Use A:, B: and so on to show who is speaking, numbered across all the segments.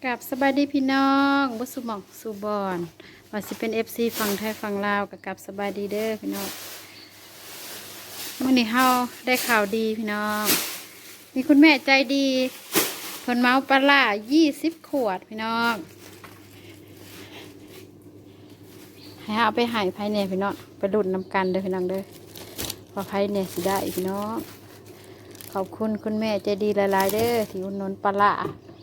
A: กับสบายดีพี่น้องบุสุหมองสุบอนว่าสิเป็นFCฝั่งไทยฝั่งลาวกับสบายดีเด้อพี่น้องมื่อนี้เฮาได้ข่าวดีพี่น้องมีคุณแม่ใจดีเพิ่นเมาปลาร้า20 ขวดพี่น้องให้เอาไปให้ไผเนี่ยพี่น้องไปดุนนำกันเด้อพี่น้องเด้อว่าไผเนี่ยสิได้พี่น้องขอบคุณคุณแม่ใจดีหลายๆเด้อที่อุดหนุนปลาร้า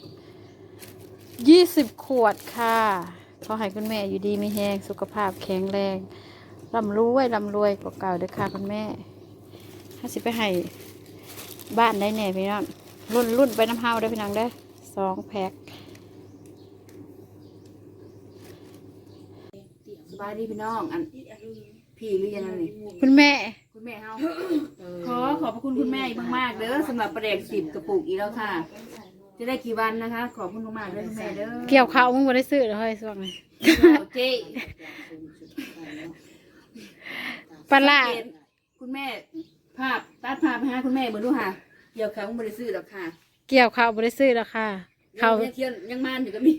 A: 20 ขวดค่ะขอให้คุณแม่อยู่ดีมีแรงสุขภาพแข็งแรงร่ำรวยกว่าเก่าเด้อค่ะคุณแม่ถ้าสิไปให้บ้านได้แน่พี่น้องรุ่นไปน้ำเฮาได้พี่น้องได้2 แพ็ค
B: สบายดีพี่น้องอันพี่หรือยังไง
A: คุณแม่
B: เฮาขอบพระคุณคุณแม่อีกมากๆเด้อสำหรับประเด็ก10 กระปุกอีกแล้วค่ะจะได้กี่วันนะคะขอบคุณมากๆเลยคุณแม่เด้อ
A: เกี่ยวข้าวมึงบ่ได้ซื้อเลยส่วงนี้
B: เจ๊
A: ปลาร้า
B: คุณแม่ตัดภาพไปหาคุณแม่เบิ่งดูค่ะเกี่ยวเขาบ่ได้ซื้อหรอกค่ะ
A: เกี่ยวข้าวบ่ได้ซื้อแล้วค่ะเขา
B: เที่ยนยังมานอยู่ก็มี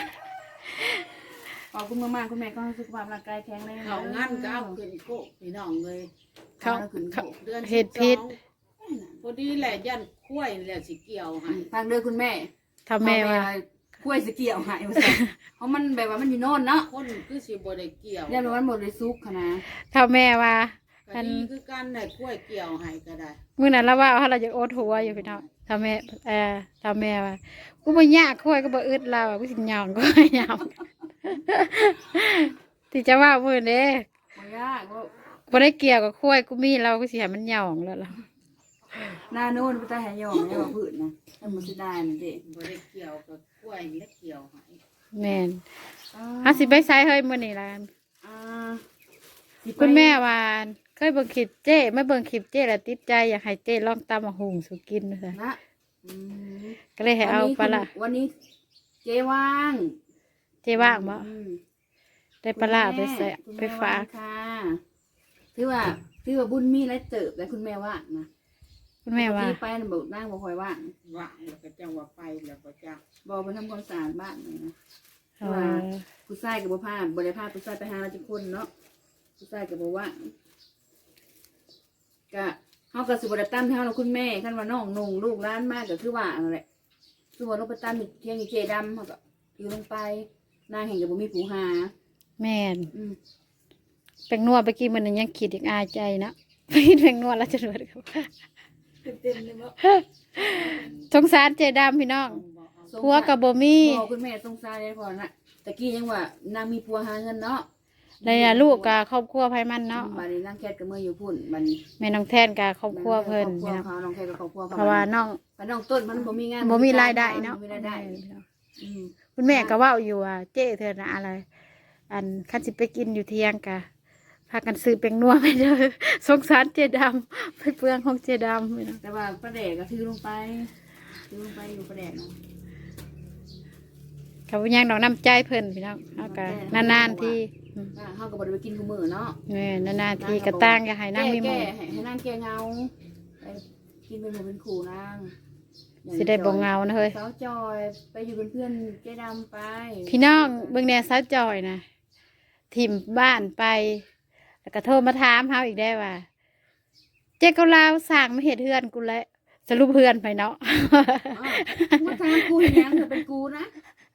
B: ขอบคุณมากๆคุณแม่ก็ให้สุขภาพร่างกายแข็งแรง
C: เขางั้นก็เอาขึ้นโคกพี่น้องเลย
A: เขา
B: ขึ้นโคก
C: เดือน
A: เห็ดพิษ
C: พอดีแหละยันคุ้ยแหละสิเกี่ยวให้
B: ทางเด้อคุณแม่
A: ทำแม่ว่า
B: กล้วยสเกี่ยวหายมาใส่เพราะมันแบบว่ามันอยู่โน่นเนาะ
C: คนคือสิบ่ได้เกี่ยว
B: เนี่ยมันหมดเลยซุกค่ะนะ
A: ทำแม่ว่า
C: ก็ดีคือกันได้คุ้ยเกี่ยวให้ก็ได้
A: มื้อนั้นเราว่าเราจะโอดหัวอยู่พี่น้องทำแม่ทำแม่ว่ากูบ่ยากค่อยก็บ่อึดเรากูสิหยองก็หยองที่จะว่ามื้อนี้
B: บ่ยากว่า
A: บ่ได้เกี่ยวกับค่อยกูมีเราก็สิให้มันหยองแล้วล่ะ
B: หน้าโน่นไปตาแหยองเนี่ยว่าผืนนะถ้ามันจะได้นี่เด็
C: บ่ได้เกี่ยวกับคุ้ยและเกี่ยวให้
A: แม่นหาสิไปไสเฮ้ยมื้อนี้ล่ะ
B: สิไป
A: คุณแม่ว่าเคยเบิ่งคลิปเจ้ไม่เบิ่งคลิปเจ้แล้วติดใจอยากให้เจ้ลองตำมะฮุงสู่กินว่าซั่น
B: นะอืม
A: ก็เลยให้เอาปลาร้า
B: วันนี้เจ๊ว่าง
A: เจ้ว่างบ่
B: อืม
A: ได้ปลาร้าไปใส่
B: คุณ
A: ไป
B: แม่
A: ฝาก
B: ค่ะถือว่าบุญมีและเติบแต่คุณแม่ว่างนะ
A: คุณแม่ว่า
B: ที่ไปน่ะบอกนั่งบ่ค่อยว่าง
C: ว่างแล้วก็จังว่าไปแล้วก็จัง
B: บอกไปทำความสะอาดบ้านเลยนะ
A: เออ
B: ผู้ชายกับบ่พาบ่ได้พาผู้ชายไปหาราชคนเนาะผู้ชายกับบ่ว่างก็เฮาก็สิบ่ได้ตามที่เฮาเนาะคุณแม่คันว่าน้องนุ่งลูกหลานมาก็คือว่านั่นแหละคือว่าลงไปตามเที่ยงอีเจดำเฮาก็อยู่ลงไปนางแห่งก็บ่มีผู้หา
A: แม่น
B: อืม
A: แป้งนัวไปกินมันยังคิดอีกอายใจเนาะไปกินแป้งนัวแล้วจะรวยครับ
B: เต็มเลยบ่
A: สงสารเจดำพี่น้อง
C: ต้องบอกเอา
A: ผัวกับบ่มี
B: บอกคุณแม่สงสารเลยพอน่ะตะกี้ยังว่านางมีผัวหาเงินเนาะ
A: ได้ลูกกับครอบครัวไผมันเนาะ
B: บัดนี้นางแคทก็มื้ออยู่พุ่นบัดนี้
A: แม่น้องแทนกับครอบครัวเพิ่น
B: ครอบครัว
A: พี่น้อง
B: เขาน้องแคทกับครอบครัวเขา
A: เพราะว่าน้อง
B: แต่น้องต้นมันบ่มีงาน
A: บ่มีรายได้เนาะ
B: บ่มีรายได้อืม
A: คุณแม่ก็เว้าอยู่ว่าเจ้เธอนะอะไร อันคันสิไปกินอยู่เที่ยงกะพากันซื้อแป้งนัวไปเด้อสงสารเจดำไปเปลืองของเจดำพี่น้อง
B: แต่ว่าประเดกก็ถือลงไปอยู่ประเดกเนาะ
A: เขาบ่ยังดอกน้ำใจเพิ่นพี่น้องเอากะนานๆที่
B: เขาก็บ่ได้ไปกินกูมื้อเนาะ
A: แม่นานๆที่กระตั้งอย่าให้นั่งมีห
B: แก้
A: มู่
B: ให้นั่งแก้เงาไปกินเป็นหมู่เป็นขู่นาง
A: สิได้บ่เหงานะเฮ้ย
B: สาวจอยไปอยู่เป็นเพื่อนเจ๊ดำไป
A: พี่น้องเบิ่งแหน่สาวจอยนะถิ่มบ้านไป แล้วก็โทรมาถามเฮาอีกได้ว่า เจ๊ก็ลาวสั่งมาเฮ็ดเฮือนกูแล้วสรุปเฮือนไปเนาะ
B: มาทางกูอย่างเธอเป็นกูนะ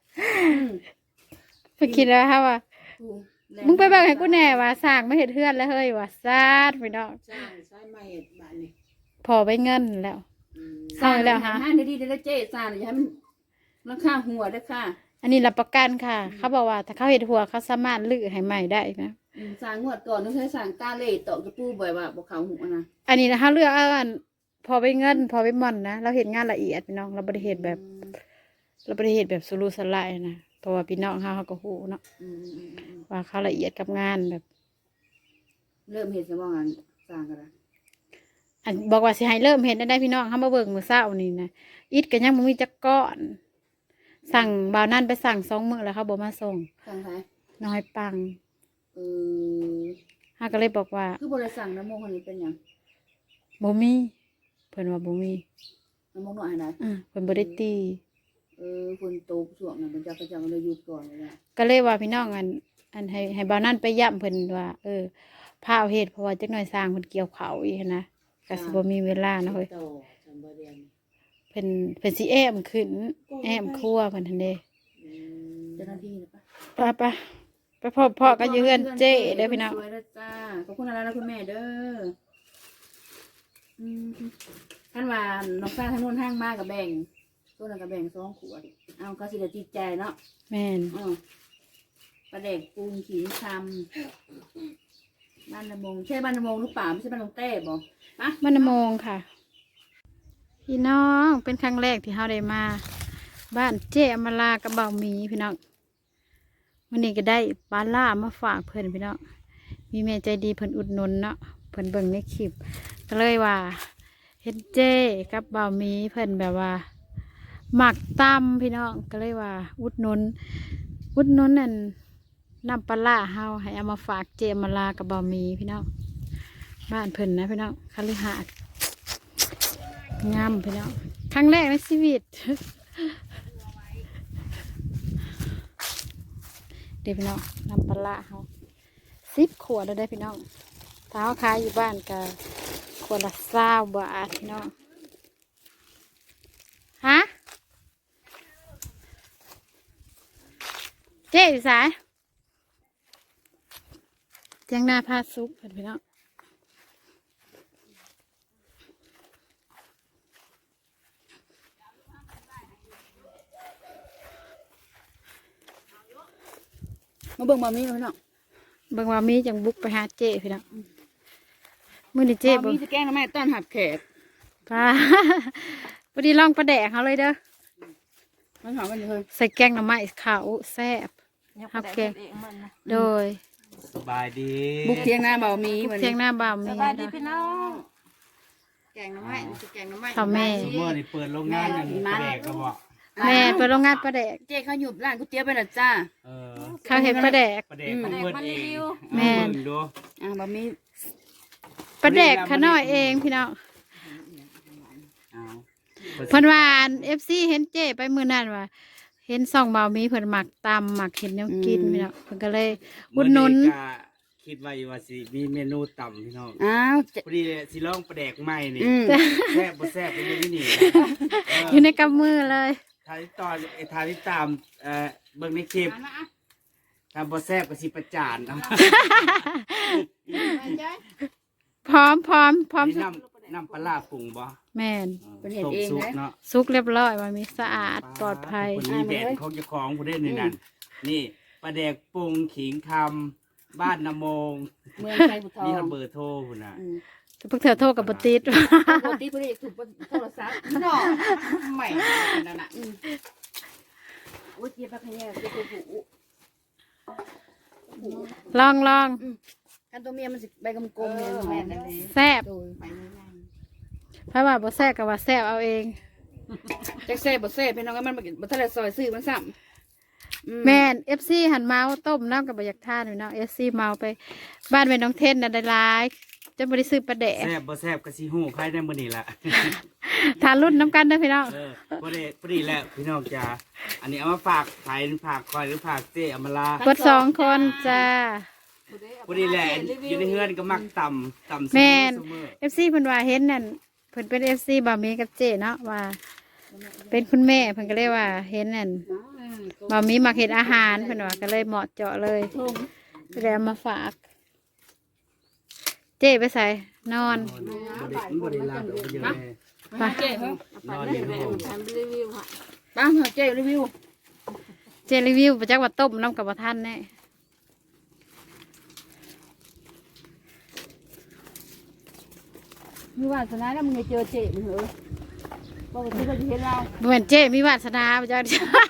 A: ไปคิดแล้วฮะว่า
B: กูแหละ
A: มึงไปบอกให้กูแน่ว่าสั่งมาเฮ็ดเฮือนแล้วเฮ้ยว่าซาดพี่น้อง
C: สร้างใช้ไม้บ้านนี่
A: พอไปเงินแล้ว
C: อืม
A: สร้างแล้วฮะ
B: ห้าดีๆได้เจ๊สร้างอย่าให้มันราคาหัวเด้อค่ะ
A: อันนี้รับประกันค่ะ เขาบอกว่าถ้าเขาเฮ็ดหัวเขาสามารถลื้อให้ใหม่ได้นะ
B: สร้างงวดก่อนต้องใช้สร้างตาเล่ตอกตะปูบ่อยว่าบ่เขาหัวนะ
A: อันนี้นะคะเลือกเอาอันพอไปเงิน พอไปหม่อนนะเราเห็นงานละเอียดพี่น้องเราบริเหตุแบบเราบริเหตุแบบสุรุ่ยสุร่ายนะเพราะว่าพี่น้องเขาก็ฮู้เนาะ
B: อืม
A: ว่าเขาละเอียดกับงานแบบ
B: เริ่มเห็นสมองงานสร้างกันละ
A: อันบอกว่าสิให้เริ่มเห็นได้พี่น้องเขามาเบิ่งมื้อเช้านี่นะอิฐก็ยังบ่มีจักก้อน สั่งบ่าวนั่นไปสั่ง2 มื้อแล้วเขาบ่มาส่ง
B: สร้างไทย
A: น้อยปัง
B: เออ
A: เขาก็เลยบอกว่า
B: คือบริสั่งน้ำมงคนนี้เป็นหยัง
A: บ่มีเพิ่นว่าบ่มี
B: น้ำมงหน่อยนะ
A: เพิ่นบ่ได้ตี
B: เอฝนตกช่วงนั้นมันจะก็เลยหยุดก่อนเลย
A: ก็เลยว่าพี่น้องอันให้บ่าวนั่นไปย่ำเพิ่นว่าพาเอาเฮ็ดเพราะว่าจักหน่อยสร้างเพิ่นเกี่ยวเขาวอีกนะก็สิบ่มีเวลานะเฮ้ย
C: โตจำบ่เรียน
A: เพิ่นสิแอมขึ้นแอมครัวเพิ่นทันเด้
B: เจ้าหน้าที่นะปะ
A: ไปพบพ่อก็อยู่เฮือนเจ้เด้อพี่น้อง
B: สวยเด้อจ้าขอบคุณอะไรนะคุณแม่เด้อท่านว่าน้องฟ้าท่านนู้นห้างมากกับแบ่งตัวนั้นกับแบ่ง2 ขวดเอาก็สิได้จิตใจเนาะ
A: แม่น
B: ปลาแดกปูนขิงคำบ้านละมงใช่บ้านละมงหรือเปล่าไม่ใช่บ้านลงเต้บ่ปะ
A: มันโมงค่ะ พี่น้องเป็นครั้งแรกที่เฮาได้มา บ้านเจ้อมรากับเบาหมีพี่น้องวันนี้ก็ได้ปลาล่ามาฝากเพิ่นพี่น้องมีแม่ใจดีเพิ่นอุดหนุนเนาะเพิ่นเบิ่งในคลิปก็เลยว่าเห็นเจ้กับเบาหมีเพิ่นแบบว่าหมักตำพี่น้องก็เลยว่าอุดหนุนนั่นนำปลาล่าเฮาให้เอามาฝากเจ้อมรากับเบาหมีพี่น้องบ้านเพิ่นนะพี่น้องคฤหาสน์งามพี่น้องครั้งแรกในชีวิต เดี๋ยวพี่น้องนำปลาเขา10 ขวดแล้วได้พี่น้องถ้าเขาขายอยู่บ้านก็ขวดละ20 บาทพี่น้องฮะเจ๊อยู่สายเจียงหน้าผ้าซุปพี่น้อง
B: มาเบิ่งมามีพี่น้อง
A: เบิ่งว่ามีจังบุกไปหาเจ๊พี่น้องมื้อนี้เจ๊
B: มา
A: เบิ่
B: มี
A: ง
B: จะแกล้งทำไมต้อนหับแขก
A: ปลา พอดีลองปลาแดกเขาเลยเด้อ
B: มันหอมกันอยู่เลย
A: ใส่แกงหน่อไม้ขาวแซ่บฮับแกงโดย
D: สบายดี
B: บุกเทียงหน้าเบามี
A: ทุก
B: วัน
A: เที่ยงหน้าบ่าวมี
C: สบายดีพี่
A: นะ
C: น้องแกงน้ำไม้แกงน้ำไม้
A: ข้าวแม่
D: สมมตินี่เปิดโรงงานอย่างแปลกก็บอก
A: แม่เปิดโรงงานปลาแดก
B: เจ๊เขาหยุบร้านก๋วยเตี๋ยวไปแล้วจ้า
D: เออ
A: เขาเห็นปลาแดก
D: ประเด็กของเพื่อนเอง
A: แม่
D: เอาเบิ่งดู
B: บะมี
A: ปลาแดกขาน้อยเองพี่น้อง
D: เอา
A: เพิ่นว่าFC เห็นเจ้ไปมื้อนั้นว่า เห็นซ่องบ่าวมีเพิ่นหมักตำหมักเห็นแนวกินพี่น้องเพิ่นก็เลยอุดหนุน
D: มื้อก็คิดว่าอยู่ว่าสิมีเมนูต่ำพี่น้อง
B: อ้าว
D: พอดีสิลองประแดกใหม่นี่
B: อืม
D: แซ่บบ่แซ่บเป็นอยู่นี่
A: อยู่ในกำมือเลย
D: ทายตอนทายที่ตามเบิ่งในคลิปถ้าบ่แซ่บก็สิประจานเอา
A: พร้อม
D: นี่น้ำปลาร้าปรุงบ่
A: แม่น
D: ต้มซุปเนาะ
A: สุกเรียบร้อยว่ามีสะอาดปลอดภัย
D: คนนี้แบรนด์ของเจ้าของผู้ได้นี่นั่นนี่ปลาแดกปรุงขิงคำบ้านนาโมง
B: เมืองไทยบุทอง
D: นี่เขาเบอร์โทรคุณน่ะ
A: แต่พวกเธอโทษกับปติด
B: ปกติพอดีถูกโทรศัพท์
C: น้องใหม่นั่นน่ะ
B: โอ้ยเจี๊ยบปลาขยะเจี๊ยบตัวผู้
A: ลอง
B: กันตัวเมียมันสิใบกำกลมเนี่ยแม่นั่นเอง
A: แซ่บ
B: โดย
C: ไปเลยนะ
A: เพราะว่าบ่แซ่บกับว่าแซ่บเอาเอง
B: จักเซ่บ่เซ่พี่น้องก็มันบ่ทันได้ซอยซื้อมันซ้ำ
A: แม่น FC หันเมาต้มน้ำกับบ่อยากทานพี่น้อง FC เมาไป บ้านแม่น้องเทนน่ะได้หลายจนบ่ได้ซื้อปลาแดก
D: แซ่บบ่แซ่บก็สิฮู้ใครได้มื้อนี้ล่ะ
A: ทานรุ่นน้ำกันเด้อพี่น้อง
D: พอดีแล้วพี่น้องจ๋าอันนี้เอามาฝากไผฝากคอยหรือฝากเจ๊อมราก
A: ด2 คนจ้า
D: พอดีแหละอยู่ในเฮือนก็มักต่ำ
A: แม่น
D: ซุมื้อ
A: FC เพิ่นว่าเห็นนั่นเพิ่นเป็น FC บ่าวมีกับเจ้เนาะว่า เป็นคุณแม่เพิ่นก็เลยว่าเห็นนั่นบ่าวมีมักเฮ็ดอาหารเพิ่นว่าก็เลยเหมาะเจาะเลยก็เลยเอามาฝาก เจ้ไปใส่นอน
D: บ่ได้ลาดอกเยอะแน่
B: ไปเจ๊เฮ้ย
D: นอนอยู่ห้อง
C: ทำรีวิวค่ะ
B: ป้าเจ๊รีวิว
A: เจรีวิวประจักว่าต้มน้ำกับบ่ทันแน่
B: มีวาสนาแล้วมึงเจอเจ๊มึงเหรอปกติเราจะเห็นเรา
A: บ่แม่นเจ้มีวาสนาประจัก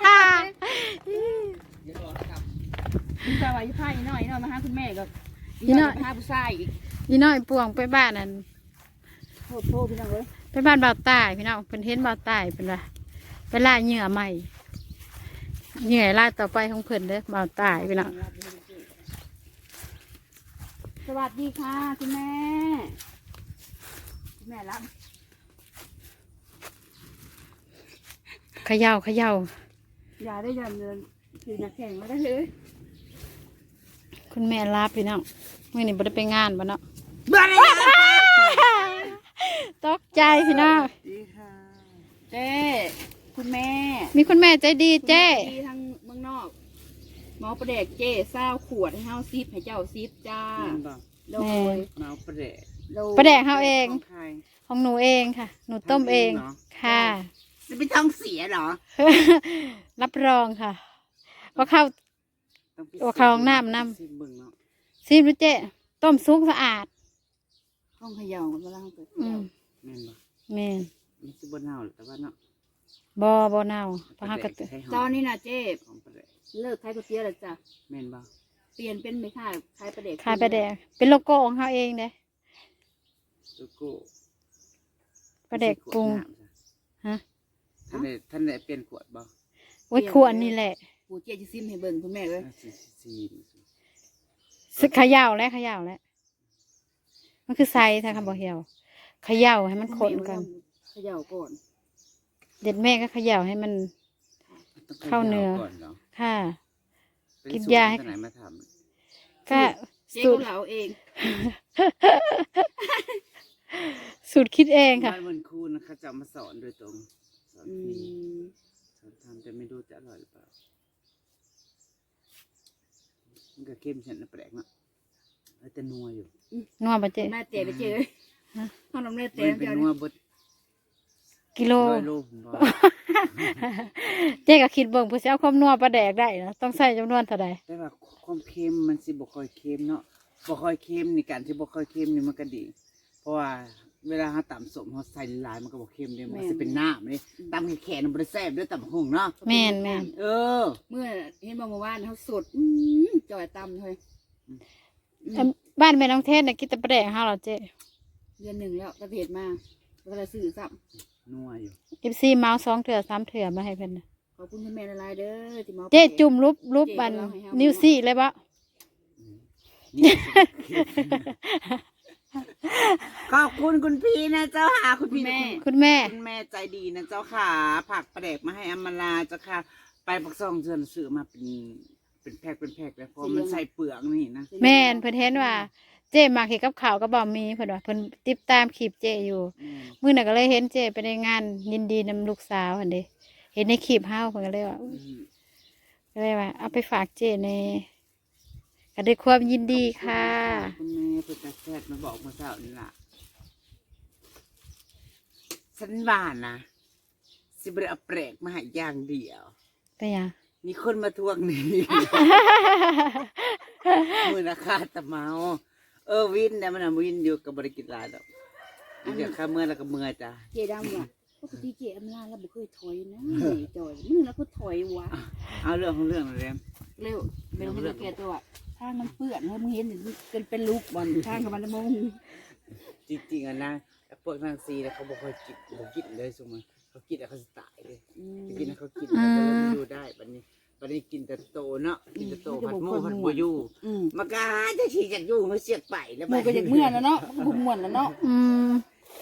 B: พี่สาวอยู่ผ้าอีน้อยมาหาคุณแม่ก็หาผู้ชายอีก
A: อีน้อยป่วงไปบ้านนั่น
B: โทษพี่น้องเอ้ย
A: ไปบ้านบ่าวใต้พี่น้องเพิ่นเห็นบ่าวใต้เพิ่นว่าไปล่าเหยื่อใหม่เหยื่อล่าต่อไปของเพิ่นเด้อบ่าวใต้พี่น้อง
B: สวัสดีค่ะคุณแม่คุณแม่รับ
A: เขย่า
B: อย่าได้ยันเดินคือนักแข่งมาได้เลย
A: คุณแม่ลาพี่น้องมื่อนี้บ่ได้ไปงานบ่เนาะ
D: บ้าเลย
A: ตกใจพี่น้อง
D: ดีค่ะ
B: เจ้คุณแม่
A: มีคุณแม่ใจดีเจ้
B: ที่ทางเมืองนอกหมอประเด็กเจ้เศร้าขวดให้เฮาซิปให้เจ้าซิปจ้า
D: แม่นบอก
B: โดย
D: เมาประเดะ
B: โดย
A: ประแดกเฮาเอง
D: ของใคร
A: ของหนูเองค่ะ หนูต้มเอง
D: ทำเองเหรอ
A: ค่ะ
D: จะไปท้องเสียเหรอ
A: รับรองค่ะว่าข้าว
D: ต้องพิสูจ
A: โอ้เข้าห้องน้ำนำ
D: ซิมเบิ่งเนาะ
A: ซีมดูเจ้ต้มซุปสะอาด
B: ห้องเขย่าเวลาเฮาเปิด
A: อืม
D: แม่นบอก
A: แม่น
D: มันสิบ่เน่าหรอกแต่ว่าเนาะ
A: บ่เน่าเพราะเฮาก็
D: ประแดใช้หม
B: ตอนนี้นะเจ้
D: ของประเดะ
B: เลิกขายก๋วยเตี๋ยวแล้วจ้ะ
D: แม่นบอก
B: เปลี่ยนเป็นไม่ขายขายประเด็ก
A: ขายไปแดกเป็นโลโก้ของเฮาเองเด้
D: ลูกกู
A: ประแดกปรุง ฮะ
D: ท่านได้เปลี่ยนขวดบ่
A: ไว้ควรนี่แหละ
B: ปู่เจ้จะซิมให้เบิ่งคุณแม่เลย
D: ซี
A: สึกเขย่าแล้วเขย่าแล้วมันคือไซถ้าคำบอกเขย่าเขย่าให้มันคนกัน
B: เขย่าก่อน
A: เด็ดแม่ก็เขย่าให้มัน
D: ต้อง
A: เข้าเนื้อ
D: ก่อนเหรอ
A: ค่ะ
D: เป็น
A: กิน
D: สูตร
A: ยาให้
D: ที่ไหนมาท
A: ก็
B: เจ๊
A: สู
B: ก็
A: ตร
B: เหลาเอง
A: สูตรคิดเอง
D: ำ
A: ค่ะ
D: บ้านมันครูนะคะจะเอามาสอนโดยตรงสอน
B: อื
D: ฟรี
B: ม
D: สอนทำแต่ไม่รู้จะอร่อยหรือเปล่ามันก็เข้มฉันนะแปลกเนาะแต่นัวอยู่
A: นัวปะเจ๊
B: แม่เจ๊ไปเจ๊เลย
A: ฮะ
B: ห้องน้ำเลือดเจ๊
D: มันเป็น
B: เจ้า
D: นัวบด
A: กิโล
D: ร้อยโลผมบอก
A: เจ๊ก็คิดเบิ่งเพื่อจะเอาความนัวปลาแดกได้นะต้องใส่จำนวนเท่าใด
D: แต่ว่าความเค็มมันสิบ่ค่อยเค็มเนาะบ่ค่อยเค็มนี่การที่บ่ค่อยเค็มนี่มันก็ดี เพราะว่าเวลาเราตำสมเราใส่หลายมันก็บ่เค็มเด้มันสิเป็นน้ำเลยตำแข็งๆมันบ่ได้แซ่บเด้วยตำหุ่งเนาะ
A: แม่นแม่น
D: เออ
B: เมื่อเห็นบอกเมื่อวานเขาสดจ่อยตำเลย
A: บ้านแม่น้องเทศน่ะกินแต่ปลาแดกเฮาเหรอเจ๊
B: เดือนหนึ่งแล้วกระเพดมาแล้วก็ซื้อซ้
D: นัวอยู่
A: FC เมาส์2 เถื่อ3 เถื่อมาให้เพิ่นน่ะ
B: ำขอบคุณคุณแม่ละลายเด้อที่มา
A: เจ๊จุ่มรูปบันนิ้วซี่เลยบ่
D: นี่ ขอบคุณคุณพี่นะเจ้าค่ะคุณพี่
A: คุณแม่
D: คุณแม่ใจดีนะเจ้าค่ะผักประเดกมาให้อำมาลาเจ้าค่ะ ไปปักซองเชิญซื้อมาเป็นแพ็คเลยเพราะมันใส่เปลือกนี่นะ
A: แม่นเพิ่นเห็นว่าเจ๊มักเฮ็ดกับข้าวกับบ่มีเพิ่นว่าเพิ่นติดตามคลิปเจ๊อยู่ มื้อนั้นก็เลยเห็นเจ๊ไปในงานยินดีนำลูกสาวหั่นเด้เห็นในคลิปเฮาเพิ่นก็เลยว่าเอาไปฝากเจ๊ในก็ด้วยความยินดีค่ะ
D: คุณแม่เปิดแซ่บมาบอกมาเจ้านี่ล่ะฉันว่านะสิบเอาแปลกมาให้อย่างเดียว
A: เป็นหยัง
D: มีคนมาทวงหนี้ มือราคาตะเมาวินเนี่ยมันวินอยู่กับบริกิจลายดอกเดี๋ยวข้าเมื่อแล้วก็เมื่อจ้ะ
B: เจดำว่ะปกติเจอำลาแล้วบ่เคยถอยนะจ่อยมึงแล้วก็ถอยวะ
D: เอาเรื่องของเรื่องเลย
B: เร็วเป็นให้เราแก่ตัวทางมันเปื้อนเฮ้ยมึงเห็นเป็นลูกบอลทางกับมันมง
D: จริงๆอ่ะนะพวกนางซีเนี่ยเขาบอกเขากินเลยสมมติเขากินแล้วเขาจะตายเลยกินแล้วเขากินแล้วเขาไม่อยู่ได้บัดนี้กินแต่โตเนาะกินแต่โตผัดหมูผัดบัวยู่มากาจะฉีกจากยู่มาเสียกไปแล้ว
B: มึงก็อยากเมื่อแล้วเนาะมันก็บุกม่วนแล้วเนาะ
A: อืม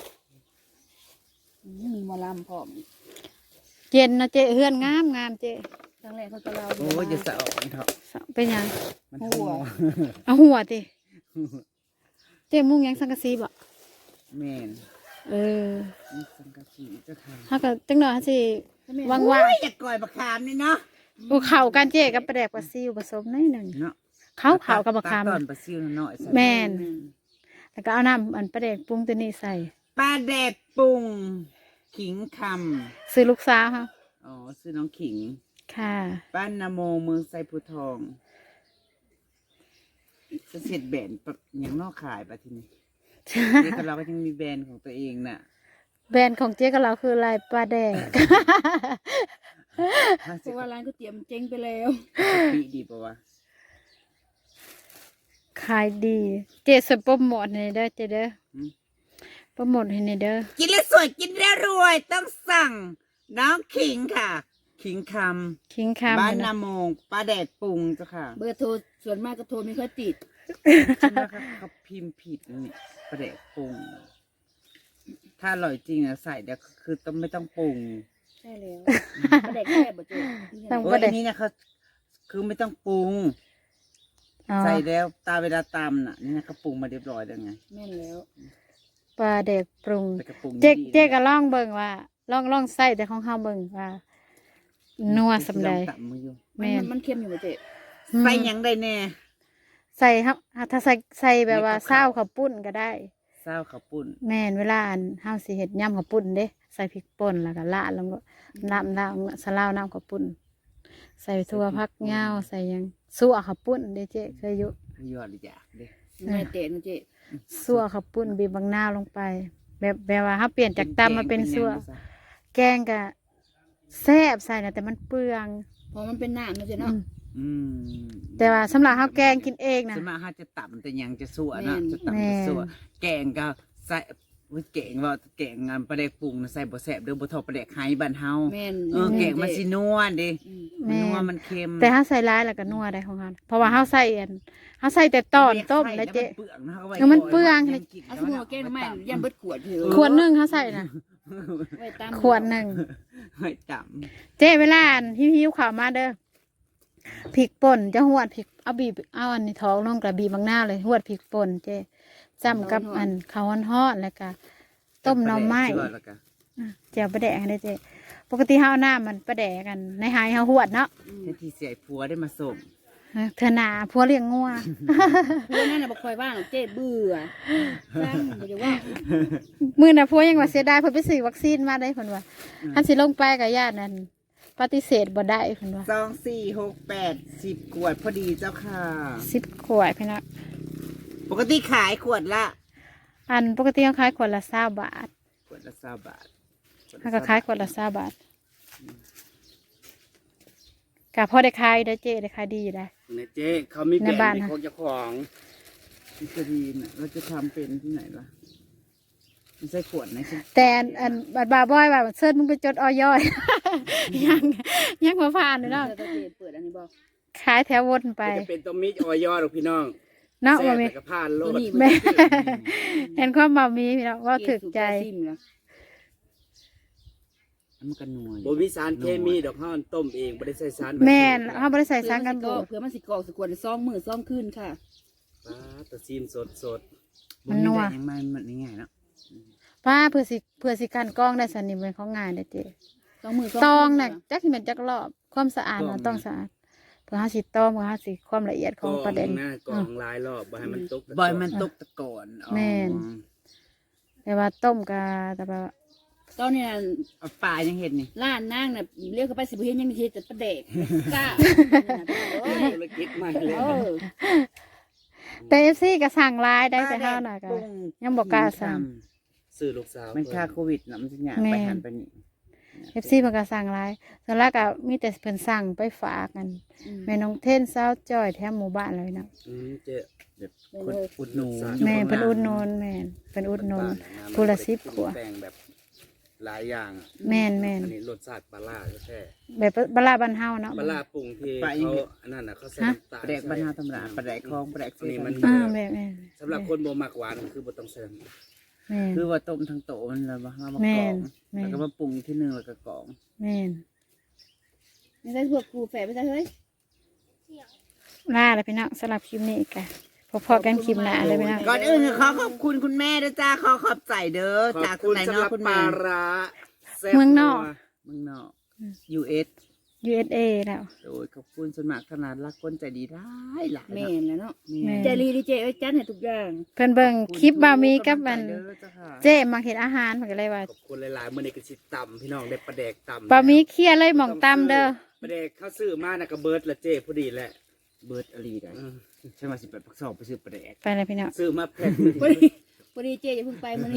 B: มีหมอลำพร้อม
A: เย็นนะเจ๊เฮือนงามเจ๊
B: ครั้งแรกเขาก็เล่า
D: โอ้ยจะสะออกเถอะ
A: เป็นหยัง
D: มันหัว
A: เอาหัวติเจ๊มุ่งหยังสังกะสีบ่
D: แมน
A: เออ
D: นี่สังกะสีเจ้าค่ะ
A: เฮาก็จังหน่อยเฮาสิวาง
D: โอ้ยอยากก่อยบักขามนี่เนาะ
A: ๆเข้ากันเจ๊กับปลาแดกปลาซิวผสมหน่อยหนึง
D: เนาะ
A: เข้ากับบักคำ
D: ตอนปลาซิวหน่อย
A: แม่น แล้วก็เอาน้ำอันปลาแดกปรุงตัวนี้ใส่
D: ปลาแดกปรุงขิงค
A: ซื้อลูกสาวเฮา
D: ำอ๋อซื้อน้องขิง
A: ค่ะ
D: บ้านนาโมเมืองไซภูทองจะเสร็จแบรนด์ปะอย่างนอกขายปะทีนี้ เด็กกับเราก็ยังมีแบรนด์ของตัวเองน่ะ
A: แบรนด์ของเจ๊กับเราคือลายปลาแดก
B: เพราะว่าร้านก๋วยเตี๋ยวมันเจ๊งไปแล้ว
D: ปีดีปะวะ
A: ขายดี เจ๊สวยโปรโมทให้เด้อเจ๊เด้อโปรโมทให้เด้อ
D: กินแล้วสวยกินแล้วรวยต้องสั่งน้องขิงค่ะ ขิงค
A: คิง
D: ำ
A: คำ
D: บ้าน
A: เลย
D: นา
A: นะ
D: โมงปลาแดกปรุงเจ้าค่ะ
B: เบอร์โทรส่วนมากก็โทรไม่ค่อยติด
D: ฉันว่าเขาพิมพ์ผิดนี่ปลาแดกปรุง ถ้าอร่อยจริงอะใส่เดี๋ยวคือต้องไม่ต้องปรุง
B: ใช่แล้วประเด็กแค่บ่เจ๊
A: ต้อง
D: โอ้
A: บ่
D: ย
A: ได้
D: อันนี้นะเขาคือไม่ต้องปรุง
A: อ๋อ
D: ใส่แล้วตาเวลาตำน่ะนี่นะเขาปรุงมาเรียบร้อยแล้วไง
B: แม่นแล้ว
A: ปลาเด็กปรุง
D: แต่กระปรุง
A: เจ๊
D: ดีๆ
A: เจ๊ก็ลองเบิ่งว่าลองใส่แต่ของเฮาเบิ่งว่านัวสำใด
D: ตำมืออยู่
A: แม่น
B: มันเค็มอยู่บ่เจ๊
D: ใส่หยังได้แน่
A: ใส่ครับถ้าใส่แบบว่า
D: ในกับ
A: เศร้า
D: ข้าว
A: ข้าวปุ้นก็ได้
D: เศร้าข้าวปุ้น
A: แม่นเวลาอันเฮาสิเฮ็ดยำข้าวปุ้นเด้ใส่พริกป่นแล้วก็ละลงก็น้ำสะลาวน้ำข้าวปุ้นใส่ถั่วผักยาวใส่หยังซั่วข้าวปุ้นเด้เจ๊เคยอยู่
D: ยอดเลยอยากเด้
B: แม่เตะนะเจ๊
A: ซั่วข้าวปุ้นบีบบางนาวลงไป แบบว่าเฮาเปลี่ยนจากตำมาเป็นซั่วแกงก็แซ่บใส่นะแต่มันเปลือง
B: เพราะมันเป็นน้ำนะเจ๊
A: อื
B: เนาะ
A: ม
D: อืม
A: แต่ว่าสำหรับเฮาแกงกินเองนะ
D: ส่วนมากเขาจะตำแต่หยังจะสั่วนะ
B: แม่น
D: จะตำจะสั่วแกงก็ใส่อุ๊ยแกงว่าแกงงานปลาแดกปรุงน่ะใส่บ่แซ่บเด้อบ่เทอปลาแดกไห้บ้านเฮา
B: แม่น
D: แกงมันสินัวเด้
B: อืม
D: มันนัวมันเค็ม
A: แต่เฮาใส่ร้ายแล้วก็นัวได้ของเฮาเพราะว่าเฮาใส่อันเฮาใส่แต่ตอนต้มแล้วเจ๊
D: เปลืองนะ
A: เออมันเปลือง
B: เอาสมมุติว่าแกงหน่อไม้ยันเบิดขวดเถอะ
A: ขวดหนึงเฮาใส่นะ
B: ไว้ตาม
A: ขวดหนึง
D: ไว้ต
A: เจ๊เวลาอันหิวๆข้าวมาเด้อพริกป่นจะหวดพริกเอาบีบเอาอันนี้ท้องลงกระบีบบางหน้าเลยหวดพริกป่นเจ๊จ้ำกับอันข้าวฮ้อนๆแล้วก็
D: ำ
A: ต้มหน่อไม้
D: ใช่แล้วก็
A: เจียวปลาแดกได้เจ๊ปกติเฮาเอาน้ำมันปลาแดกกันในหายเฮาหวดเนาะ
D: แค่ที่เสียผัวได้มาส่ง
A: เธอหนาพัวเลี้ยงงัว
B: พวกนั้นน่ะบ่ค่อยว่างหรอกเจ๊เบื่อจ้างบ่ได้ว่า
A: มื้อน่ะพัวยังว่าเสียดายเพิ่นไปซื้อวัคซีนมาได้เพิ่นว่าคันสิลงไปก็ญาตินั่นปฏิเสธบ่ได้เพิ่นว่า
D: 2 4 6 8 10 ขวดพอดีเจ้าค่ะ
A: 10ขวดพี่น้อง
D: ปกติขายขวดละ
A: อันปกติเขาขายขวดละ20 บาท
D: ขวดละ20 บาท
A: เขาก็ขายขวดละ20 บาทก็พอได้ขายได้อเจ๊ได้ขายดีอยู่ได้
E: เนี่ยเจ๊เขามี
A: ใน
E: แบร
A: บ้าน
E: นด์
A: นะ
E: ของเจ้าของ
D: พิซรีนเราจะทำเป็นที่ไหนวะไม่ใช่ขวดนะใช่
A: แต่อันบาดบาบอยว่าเชิญมึงไปจดออยอย ยังมาผ่านเลยเนาะ
B: เจ้าเจ๊เปิดอันนี้บ่
A: ขายแถววนไป
E: จะเป็นตัวมิจออยอหรอกพี่น้อง
A: เนาะ
E: แซ่
A: ว่า
E: บ
A: มี
E: แต่กระพานโล
B: ตัว
E: ด
B: นี้
A: แม่เห็นความบ่มีพี่น้องว่าถึกใจ
B: ซิมนะ
D: มันกันนัวอยู่
E: บ่มีสารเคมีดอกห้อนต้มเองบ่ได้ใส่สาร
A: แม่นเขาบริใส่สารกันบูด
B: เพื่อมันสิกรอกสกวน2 มื้อ2 คืนค่ะ
E: ป้าตะซีมสด
A: มันนัว
D: ยังไม่มันง่ายเนาะ
A: ป้าเพื่อสิกันกล้องได้สันนิเป็นของงานเด้อเจ๊
B: 2 มื้อ2
A: ตองน่ะจักสิเป็นจักรอบความสะอาดมันต้องสะอาดเพื่อหาสิตองเพื่อหาสิความละเอียด
E: ๆ
A: ของประเด็น
E: นะกรองหลายรอบบ่ให้มันตกตะก
D: บอยมันตกตะกอนอ๋อ
A: แม่น แต่ว่าต้มกะแต่ว่า
B: ตอนนี้น่ะ
D: เอาปลายังเห็นนี่
B: ร้านนางน่ะเรียกเข้าไปสิบ่เห็นยังมีเฮ็ดแต่ประเดกกล้าโอ้ย
E: ธุรกิจใหม่เลย
B: เออ
A: แต่ FC ก็สั่งหลายได้แต่เฮาน่ะก็ ยังบอกกล้าสั่ง
E: ซื้อลูกสาว
D: มันค่าโควิดนะมันจะหยา
A: แม่
D: ไปหันไปนี่
A: FC เพิ่นก็สั่งหลายส่วนแรกก็มีแต่เพิ่นสั่งไปฝากกันแม่น้องเทนสาวจ้อยแถวหมู่บ้านเลยเนาะ
E: เจ๊
D: แบบคนอุดหนู
A: แม่เพิ่นอุดหนุนแม่นเพิ่นอุดหนุน ผู้ละ10ขวด
E: แต่งแบบหลายอย่างอะ
A: แม่นแม่น
E: อันนี้รสชาติปลาล่าแท้
A: แบบบลาบ้านเฮาเนาะ
E: ปลาล่าปรุงที่เขาอันนั้นน่ะเขาใส่น้ำตาล
D: ปลาแดกบรรณาธรรมดาปลาแดกคลองปลาแดก
E: อันนี้มัน
A: แม่น
E: สำหรับคนบ่มักหวานคือบ่ต้องใส่น้ำตาล
A: แม่น
D: คือว่าต้มทั้งโตมันเลยว่าเรามาก
A: แม่
D: รอง
A: นแม่น
D: แล้วก็มาปรุงที่หนึ่งแล้วก็กรอง
A: แม่น
B: ไม่ใช่พวกครูแฝดไม่ใช่เฮ้ย
A: ลาแล้วพี่น้องสำหรับคลิปนี้ก็พอๆกันคลิปหน้าเลยพี่น้อง
D: ก่อนอื่นขอขอบคุณคุณแม่ด้วยจ้าขอขอบใจเด้อ
E: ขอ
D: จาก
E: บคุณ
D: ไหน
E: สำห
D: เนาะ
E: รับ
D: คุณ
E: ป
D: แม่
E: ลาร้าแซ่บ
A: เมืองนอก
D: เมืองนอก US
A: USA แล้ว
D: โดยขอบคุณส่วนมากขนาดรักคนใจดีได้หลาย
B: แม่นแล้วเนาะ
A: แม่
B: ใจรีดีเจเอ้ยจัดให้ทุกอย่าง
A: เพิ่นเบิ่งคลิปบามีกับมัน
D: เด้อจ้าค่ะ
A: เจ๊มาเฮ็ดอาหารเพิ่นก็เลยว่า
E: ขอบคุณหลายๆมื้อนี้ก็สิตำพี่น้องได้ปลาแดกตำ
A: บามีเคลียร์เลยหม่องตำเด้อ
E: ปลาแดกเขาซื้อมาน่ะก็เบิดละเจ้พอดีแหละ
D: เบิร์ดอลีได้
E: อืม
D: ใช่ไหม18 ปัก 2ไปซื้อปลาแดก
A: ไปเลยพี่น้อง
E: ซื้อมาแพ็คหนึง
B: พอดีเจอย่าเพิ่งไปมื้อนี้